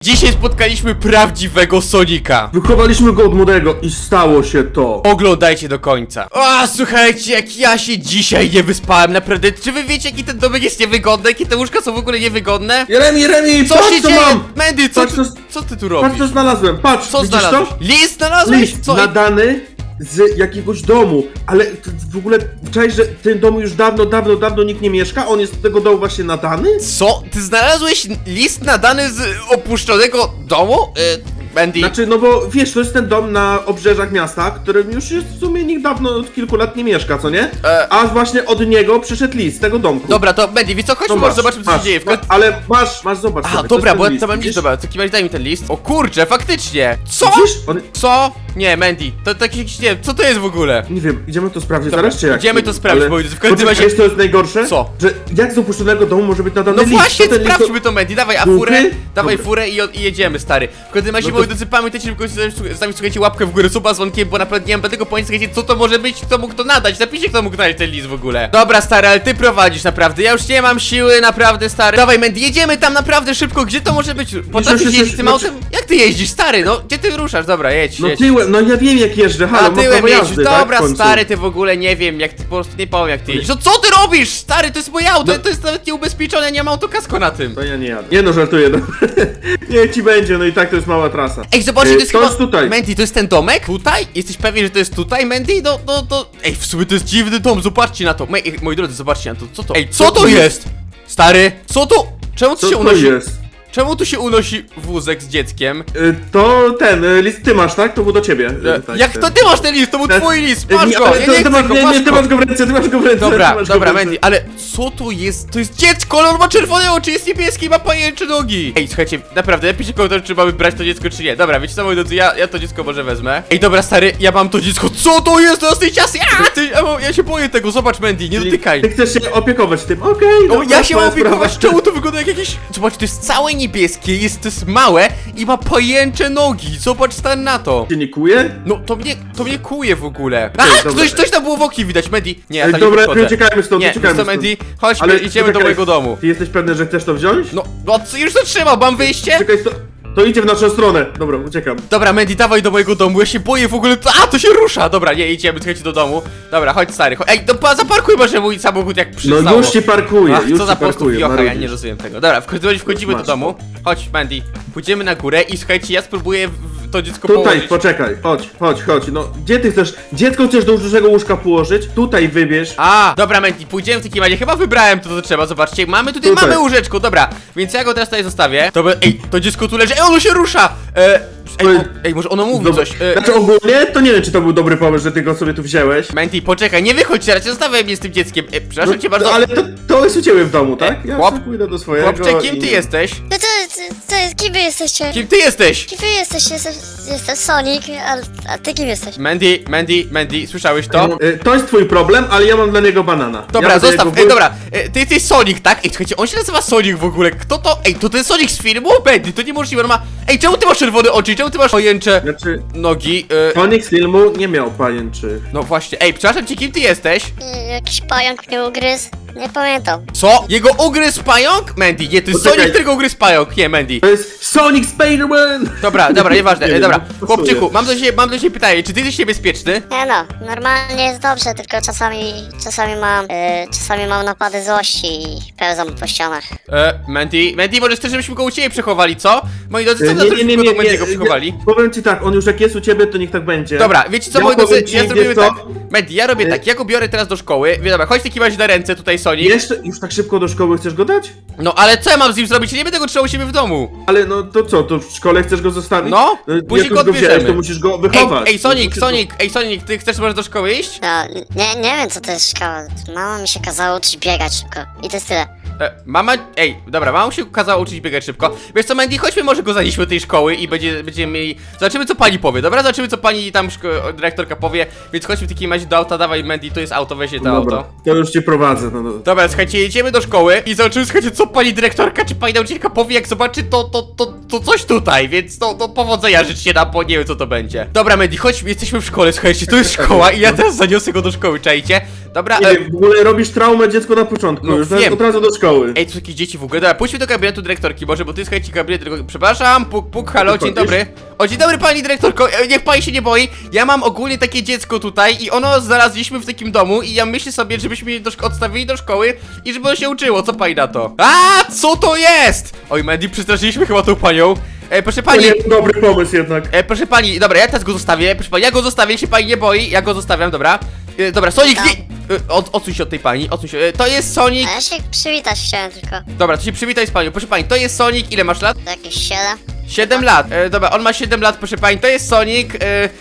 Dzisiaj spotkaliśmy prawdziwego Sonika. Wychowaliśmy go od młodego i stało się to. Oglądajcie do końca. O, słuchajcie, jak ja się dzisiaj nie wyspałem, naprawdę. Czy wy wiecie, jaki ten domek jest niewygodny? Jakie te łóżka są w ogóle niewygodne? Jeremi, Co patrz się co dzieje? mam! Mandy, Patrz, co ty tu Patrz robisz? co znalazłem, patrz, Co widzisz znalazłeś? to? List znalazłeś? List Co? nadany z jakiegoś domu, ale w ogóle czaisz, że w tym domu już dawno nikt nie mieszka, on jest do tego domu właśnie nadany? Co? Ty znalazłeś list nadany z opuszczonego domu? Mandy. Znaczy, no bo wiesz, to jest ten dom na obrzeżach miasta, którym już jest w sumie nikt dawno od kilku lat nie mieszka, co nie? A właśnie od niego przyszedł list z tego domku. Dobra, to Mandy, wiesz co? Chodźmy, No może zobaczymy, co się dzieje. Ale masz, zobacz. Aha, sobie, to dobra, jest bo ten ja to mam list, list, widzisz? dobra, w takim razie daj mi ten list. O kurczę, faktycznie! Co? Widzisz? Co? Nie, Mandy, to taki jakiś, nie wiem, co to jest w ogóle? Nie wiem, idziemy to sprawdzić Dobra, zaraz, czy jak? idziemy to sprawdzić, Ale- bo w każdym Poczekaj, razie- wiesz, co jest najgorsze? Co? Że jak z opuszczonego domu może być nadany No list? właśnie, To ten list sprawdźmy to, Mandy, dawaj Duchy? furę, dawaj Dobra. furę i jedziemy, stary. W każdym razie, No to- moi drodzy, pamiętajcie, żeby zostawić, słuchajcie, łapkę w górę, suba z dzwonkiem, bo naprawdę nie mam tego pojęcia, słuchajcie, co to może być, kto mógł to nadać, napiszcie, kto mógł nadać ten list w ogóle. Dobra, stary, ale ty prowadzisz, naprawdę, ja już nie mam siły, naprawdę, stary. Dawaj, Mandy, jedziemy tam naprawdę szybko, gdzie to może być? Potrafisz już, jeździć tym no, autem? Jak ty jeździsz, stary, no, gdzie ty ruszasz? Dobra, jedź, No jedź. tyłem, no ja wiem jak jeżdżę, halo, A mam tyłem prawo jeździsz, jazdy, tak, dobra, w końcu. stary, ty w ogóle nie wiem, jak ty po prostu nie powiem, jak ty jeździsz. No co ty robisz, stary, to jest moje auto, No. to jest nawet nieubezpieczone, ja nie mam autokasko na tym. To ja nie jadę. Nie no, żartuję, no. Nie ci będzie, no i tak to jest mała trasa. Ej, zobaczcie, to jest to chyba... jest tutaj. Mandy, to jest ten domek? Tutaj? Jesteś pewien, że to jest tutaj, Mandy? Ej, w sumie to jest dziwny dom, zobaczcie na to. Moi drodzy, zobaczcie na to, co to? Ej, co to jest? Stary, co to? Czemu tu Co się to unosi... jest? Czemu tu się unosi wózek z dzieckiem? To ten, list ty masz, tak? To był do ciebie. Tak, Jak ten. to ty masz ten list? To był twój list, masz go, ale ja to- nie ty chcę masz, go, nie, masz nie, ty go. masz go w ręce, ty masz go w ręce. Dobra, ty masz go dobra, w ręce. Mandy, ale co tu jest? To jest dziecko, ale on ma czerwone oczy, jest niebieski i ma pajęcze nogi. Ej, słuchajcie, naprawdę, napiszcie komentarz, czy mamy brać to dziecko, czy nie. Dobra, wiecie co, moi drodzy, ja to dziecko może wezmę. Ej, dobra, stary, ja mam to dziecko. Co to jest? To jest tej ciasy. Ja się boję tego, zobacz, Mandy, nie dotykaj. Ty chcesz się opiekować tym, okej. O, dobra, ja się twoja mam opiekować, sprawa. czemu to wygląda jak jakieś... Zobacz, to jest całe niebieskie, to jest małe i ma pajęcze nogi. Zobacz, stan na to. Cię nie kuje? No, to mnie kuje w ogóle. A, dobra. ktoś tam było woki widać, Mandy. Nie, ja Ej, tam dobra, nie podchodzę. uciekajmy stąd, Nie, uciekajmy to stąd. Mandy, chodźmy, Ale idziemy do poczekaj, mojego domu. Ty jesteś pewny, że chcesz to wziąć? No, już to trzymał, mam wyjście? Czekaj, to idzie w naszą stronę. Dobra, uciekam. Dobra, Mandy, dawaj do mojego domu, ja się boję w ogóle, to się rusza. Dobra, nie, idziemy, słuchajcie, do domu. Dobra, chodź, stary, chodź. Ej, zaparkuj może mój samochód jak przystało. No już ci parkuję, Ach, już co ci za po prostu parkuję, wiocha, ja marudzisz. nie rozumiem tego. Dobra, w każdym razie wchodzimy do Masz domu. Chodź, Mandy, pójdziemy na górę i słuchajcie, ja spróbuję to dziecko Tutaj, położyć. poczekaj, chodź, no gdzie ty chcesz, dziecko chcesz do dużego łóżka położyć? Tutaj wybierz. A, dobra, Mandy, pójdziemy w takim razie, chyba wybrałem to, co trzeba, zobaczcie, mamy tutaj, Tutaj. mamy łóżeczko, dobra, więc ja go teraz tutaj zostawię. Ej, to dziecko tu leży, ono się rusza! Ej, może ono mówi Dobra. coś. Znaczy ogólnie, to nie wiem, czy to był dobry pomysł, że ty go sobie tu wziąłeś. Mandy, poczekaj, nie wychodź teraz, zostawiaj mnie z tym dzieckiem. Przepraszam cię bardzo. Ale to jest u ciebie w domu, tak? Ja chłop- sobie pójdę do swojego. Chłopcze, kim i- ty jesteś? No to jest, kim wy jesteście? Kim ty jesteś? Kim wy jesteście? Jestem Sonic, a ty kim jesteś? Mandy, słyszałeś to? To jest twój problem, ale ja mam dla niego banana. Dobra, ja zostaw, dobra, ty jesteś Sonic, tak? Ej, słuchajcie, on się nazywa Sonic w ogóle, kto to? Ej, to ten Sonic z filmu? Mandy, to niemożliwe, on ma... Ej, czemu ty masz czerwone oczy, czemu ty masz pojęcze Znaczy, nogi? Sonic z filmu nie miał pajęczych. No właśnie, ej, przepraszam cię, kim ty jesteś? Jakiś pająk mnie ugryzł? Nie pamiętam. Co? Jego ugryzł pająk? Mandy, nie, to jest Poczekaj. Sonic, którego ugryzł pająk, nie, Mandy. To jest Sonic Spider-Man! Dobra, nieważne, Nie wiem, dobra, pasuje. chłopczyku, mam do ciebie pytanie, czy ty jesteś niebezpieczny? Nie no, normalnie jest dobrze, tylko czasami mam napady złości i pełzam po ścianach. Mandy, może chcesz, żebyśmy go u ciebie przechowali, co? Moi drodzy, co na to, żebyśmy go będzie go przechowali? Powiem ci tak, on już jak jest u ciebie, to niech tak będzie. Dobra, wiecie co, Ja moi drodzy, powiem ci, ja zrobimy wiesz co? tak. Mandy, ja robię tak, ja go biorę teraz do szkoły, dobra, chodź w takim razie na ręce tutaj, Sonic. Jeszcze już tak szybko do szkoły chcesz go dać? No ale co ja mam z nim zrobić? Ja nie będę go trzymał u siebie w domu. Ale no to co, to w szkole chcesz go zostawić? No, później jak go już go wziąłeś, odbierzemy. to musisz go wychować. Ej, Sonic, ty chcesz może do szkoły iść? No, nie wiem co to jest szkoła. Mama mi się kazała uczyć biegać szybko. I to jest tyle. Mama się kazała uczyć biegać szybko. Wiesz co, Mandy, chodźmy może go zanieśmy do tej szkoły i będziemy mieli... Zobaczymy co pani powie, dobra? Zobaczymy co pani tam dyrektorka powie. Więc chodźmy w takim razie do auta, dawaj Mandy, to jest auto, weź je to Dobra, auto. to już cię prowadzę, no. Dobra, słuchajcie, jedziemy do szkoły i zobaczymy, słuchajcie, co pani dyrektorka czy pani nauczycielka powie, jak zobaczy to coś tutaj, więc to powodzenia życzcie nam, bo nie wiem co to będzie. Dobra, Mandy, chodźmy, jesteśmy w szkole, słuchajcie, to jest szkoła i ja teraz zaniosę go do szkoły, czajcie? Dobra, Nie wiem, w ogóle robisz traumę dziecku na początku, no już wiem. od razu do szkoły. szkoły. Ej, tu są jakieś dzieci w ogóle. Dobra, pójdźmy do gabinetu dyrektorki, może, bo to jest słuchajcie gabinet dyrektorki. Przepraszam, puk, halo, dzień dobry. O, dzień dobry pani dyrektorko, niech pani się nie boi. Ja mam ogólnie takie dziecko tutaj i ono znaleźliśmy w takim domu i ja myślę sobie, żebyśmy je odstawili do szkoły i żeby ono się uczyło. Co pani na to? A, co to jest? Oj, Mandy, przestraszyliśmy chyba tą panią. Proszę To pani. nie jest dobry pomysł jednak. Proszę pani, dobra, ja teraz go zostawię. Proszę pani, ja go zostawię, się pani nie boi, ja go zostawiam, dobra. Dobra, Sonic, nie. Odsuń się od tej pani, odsuń się. To jest Sonic. A ja się przywitać chciałem tylko. Dobra, to się przywitaj z panią. Proszę pani, to jest Sonic, ile masz lat? To jakieś 7. 7 lat. Dobra, on ma 7 lat, proszę pani, to jest Sonic.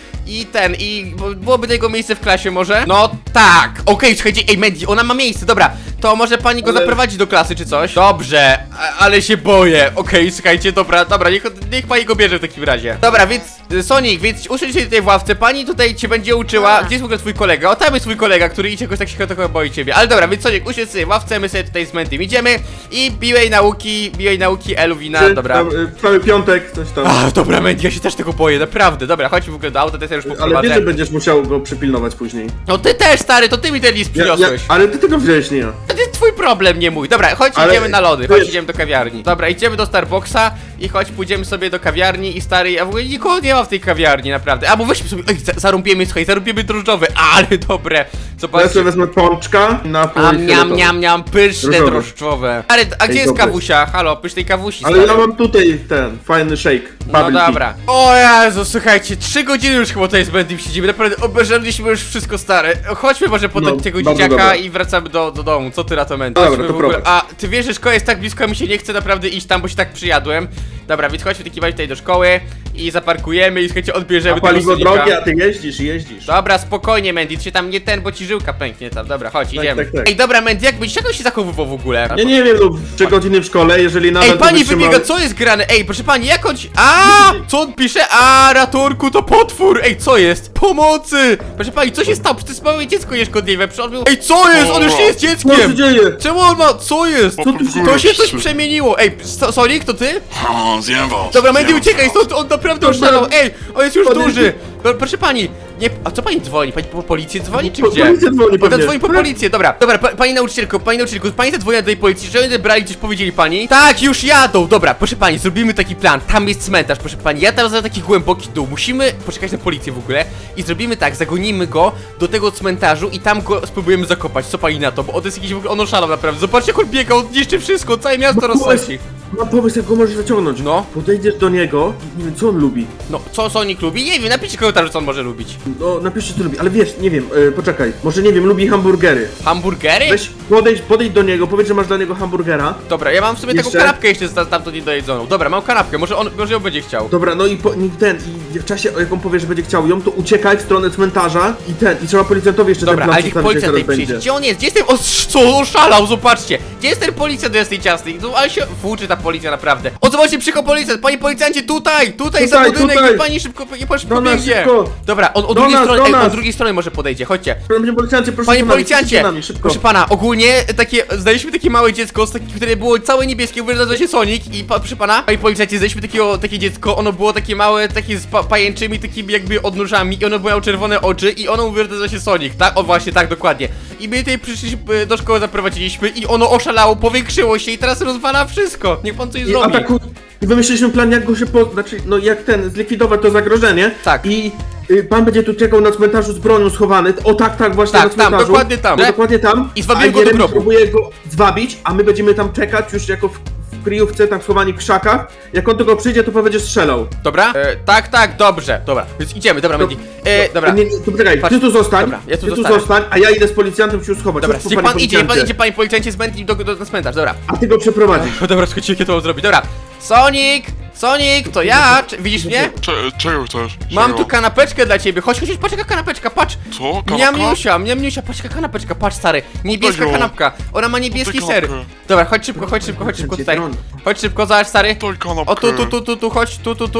Byłoby jego miejsce w klasie może? No tak, okej, słuchajcie, ej Mandy, ona ma miejsce, dobra. To może pani go zaprowadzić do klasy czy coś? Dobrze, ale się boję. Okej, słuchajcie, dobra, niech pani go bierze w takim razie. Dobra, więc Sonic, więc usiądź się tutaj w ławce, pani tutaj cię będzie uczyła. Gdzie jest w ogóle twój kolega? O, tam jest twój kolega, który idzie jakoś tak się trochę boi ciebie. Ale dobra, więc Sonic, usiądź sobie w ławce, my sobie tutaj z Mandym idziemy i biłej nauki Elwina, dobra. Tam, cały piątek, coś tam. Ach, dobra, Mandy, ja się też tego boję, naprawdę. Dobra, chodźmy w ogóle do auta, teraz ja już Ale poprowadzę. wiesz, że będziesz musiał go przypilnować później. No ty też, stary, to ty mi ten list przyniosłeś. Ale ty tego wziąłeś, nie ja. To jest twój problem, nie mój. Dobra, chodź, Ale idziemy na lody, wiesz- chodź, idziemy do kawiarni. Dobra, idziemy do Starbucksa i chodź, pójdziemy sobie do kawiarni i stary, a w ogóle nikogo nie ma w tej kawiarni, naprawdę. A, bo weźmy sobie, zarąbiemy, słuchaj, zarąbiemy drożdżowe, ale dobre. Ja Zobaczcie. sobie wezmę pączka na Niam, pyszne Drożdżowe. drożdżowe. Ale, a gdzie jest dobre. kawusia? Halo, pysznej kawusi, Ale stary. ja mam tutaj ten fajny shake. No Bubble tea. dobra. O Jezu, słuchajcie, 3 godziny już chyba tutaj z Bendym siedzimy, naprawdę obejrzeliśmy już wszystko stare. Chodźmy może po No, tego bardzo dzieciaka dobra. i wracamy do domu. Co ty na to, Mendy? Dobra, Chodźmy to w ogóle. prowadź. A ty wiesz, że szkoła jest tak blisko, a mi się nie chce naprawdę iść tam, bo się tak przyjadłem. Dobra, więc chodźmy taki tutaj do szkoły i zaparkujemy i słuchajcie, odbierzemy A paliwo Sonika. drogie, a ty jeździsz. Dobra, spokojnie, Mandy, ty się tam nie ten, bo ci żyłka pęknie tam. Dobra, chodź, idziemy. tak. Ej, dobra, Mandy, jak on się zachowywał w ogóle? Ja nie wiem, no 3 godziny w szkole, jeżeli nadal Ej, to pani wytrzyma- wybiega, co jest grane? Ej, proszę pani, jak on ci... A, co on pisze? A, ratunku, to potwór! Ej, co jest? Pomocy! Proszę pani, co się stało? Przecież to jest małe dziecko nieszkodliwe, przecież on był... Ej, co jest? On już nie jest Co się dzieckiem! dzieje? Czemu on ma... Co jest? Co tu się To się coś przemieniło! Ej, Sonic, to ty? Zjem was. Dobra, Mandy, zjem uciekaj was. stąd, on naprawdę Dobra. oszalał! Ej, on jest już Podejdzie. duży! Proszę pani, nie... A co pani dzwoni? Pani po policję dzwoni, czy Po gdzie? policję dzwoni Ona pewnie. dzwoni po policję, dobra. Dobra, pani nauczycielko, pani zadzwoniła do tej policji, że oni odebrali, coś powiedzieli pani? Tak, już jadą, dobra, proszę pani, zrobimy taki plan, tam jest cmentarz, proszę pani, ja tam za taki głęboki dół, musimy poczekać na policję w ogóle i zrobimy tak, zagonimy go do tego cmentarzu i tam go spróbujemy zakopać, co pani na to, bo on jest jakiś w ogóle, on oszalał naprawdę, zobaczcie jak on biega, on niszczy wszystko, całe miasto rozsadzi. Mam pomysł, jak go możesz zaciągnąć. No. Podejdziesz do niego i nie wiem, co on lubi. No, co Sonic lubi? Nie wiem, napiszcie komentarz, co on może lubić. No, napiszcie, co lubi, ale wiesz, nie wiem, poczekaj. Może, nie wiem, lubi hamburgery. Hamburgery? Weź, podejdź do niego, powiedz, że masz dla niego hamburgera. Dobra, ja mam w sobie taką Jeszcze? kanapkę jeszcze tamto niedojedzoną, dobra, mam kanapkę, może ją będzie chciał. Dobra, no i i w czasie, jak on powie, że będzie chciał ją, to uciekaj w stronę cmentarza i trzeba policjantowi jeszcze Dobra, ten ale plan niech przedstawić, policjant jak tutaj teraz przyjdzie. będzie. Gdzie on jest? Gdzie jest ten... O, co? Oszalał, zobaczcie! Gdzie jest ten policjant do tej ciasnej? No, ale się włóczy ta policja, naprawdę. O, zobaczcie, przyjechał policjant! Panie policjancie, tutaj za Tutaj, budynek! tutaj. Niech pani szybko Do nas, pobiegnie! szybko. Dobra, on od Do drugiej nas, strony, do ej, nas. od drugiej strony może podejdzie, chodźcie. Panie policjancie, proszę Panie za nami, policjancie! za nami, szybko. Proszę pana, ogólnie znaleźliśmy takie małe dziecko, które było całe niebieskie, nazywa się Sonic i proszę pana, panie policjancie, znaleźliśmy takie dziecko, ono było takie małe, takie z pajęczymi, takimi jakby odnóżami i ono miało czerwone oczy i ono mówi, że nazywa się Sonic, tak? O właśnie, tak, dokładnie. I my tutaj przyszliśmy, do szkoły zaprowadziliśmy i ono oszalało, powiększyło się i teraz rozwala wszystko. Niech pan coś zrobi. I wymyśliliśmy plan, jak go się znaczy, no jak zlikwidować to zagrożenie. Tak. I pan będzie tu czekał na cmentarzu z bronią schowany. O tak, właśnie Tak, na tam, cmentarzu. dokładnie tam. No, dokładnie tam. I zwabimy A go do Jeremy grobu. próbuje go zwabić, a my będziemy tam czekać już jako w kryjówce, tam schowani w krzakach. Jak on tylko przyjdzie, to będzie strzelał. Dobra? Tak, dobrze, dobra, więc idziemy, dobra, Mandy. Dobra. Nie, to poczekaj, Patrz. ty tu zostań, Dobra, ja tu ty tu zostanę. zostań, a ja idę z policjantem się schować. Dobra, Chodź tu, niech panie pan policjancie. idzie panie policjancie z Mandy na cmentarz, dobra. A ty go przeprowadzisz. O, dobra, słuchajcie, jakie to mam zrobić, dobra. Sonic, to ja, widzisz mnie? Czego chcesz? Mam Czego? tu kanapeczkę dla ciebie, chodź, patrz jaka kanapeczka, patrz. Co? Kanapka? Miamniusia, patrz jaka kanapeczka, patrz stary, niebieska ją. kanapka, ona ma niebieski Oddaj ser. kanapkę. Dobra, chodź szybko tutaj. Chodź szybko, zobacz stary. Daj kanapkę. O, tu, chodź,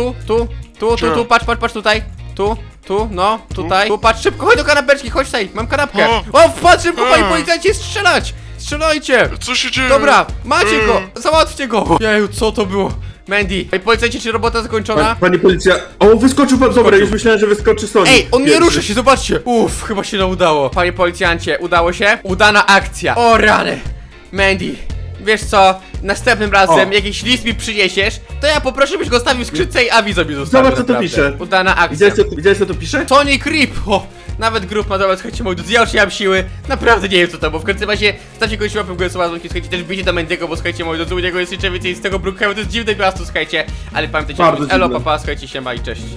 tu, patrz tutaj. Tu, no, tutaj. Tu, patrz szybko, chodź do kanapeczki, chodź tutaj, mam kanapkę. O, patrz szybko, panie policjancie, strzelać! Strzelajcie! Co się dzieje? Dobra, macie go, załatwcie go! Jeju, co to było? Mandy, panie policjancie, czy robota zakończona? Panie policja... O, wyskoczył pan, dobra, już myślałem, że wyskoczy Sonic. Ej, on nie Pierwszy. rusza się, zobaczcie! Uff, chyba się nam udało. Panie policjancie, udało się? Udana akcja. O rany! Mandy, wiesz co, następnym razem O. jakiś list mi przyniesiesz, to ja poproszę, byś go stawił w skrzynce i awizo mi zostawił. Zobacz, co tu naprawdę. pisze. Udana akcja. Widziałeś co tu pisze? Tony Creep! O, nawet grup ma dobra, słuchajcie, moi drodzy, ja już nie mam siły, naprawdę nie wiem co to, bo w końcu razie stawcie kogoś łapę w górę, słuchajcie, też bijcie do Mendiego, bo słuchajcie, moi drodzy, u niego jest jeszcze więcej z tego Brookhaven, to jest dziwne miasto, słuchajcie, ale pamiętajcie, Bardzo elo, dziwne. papa, słuchajcie, siema i cześć.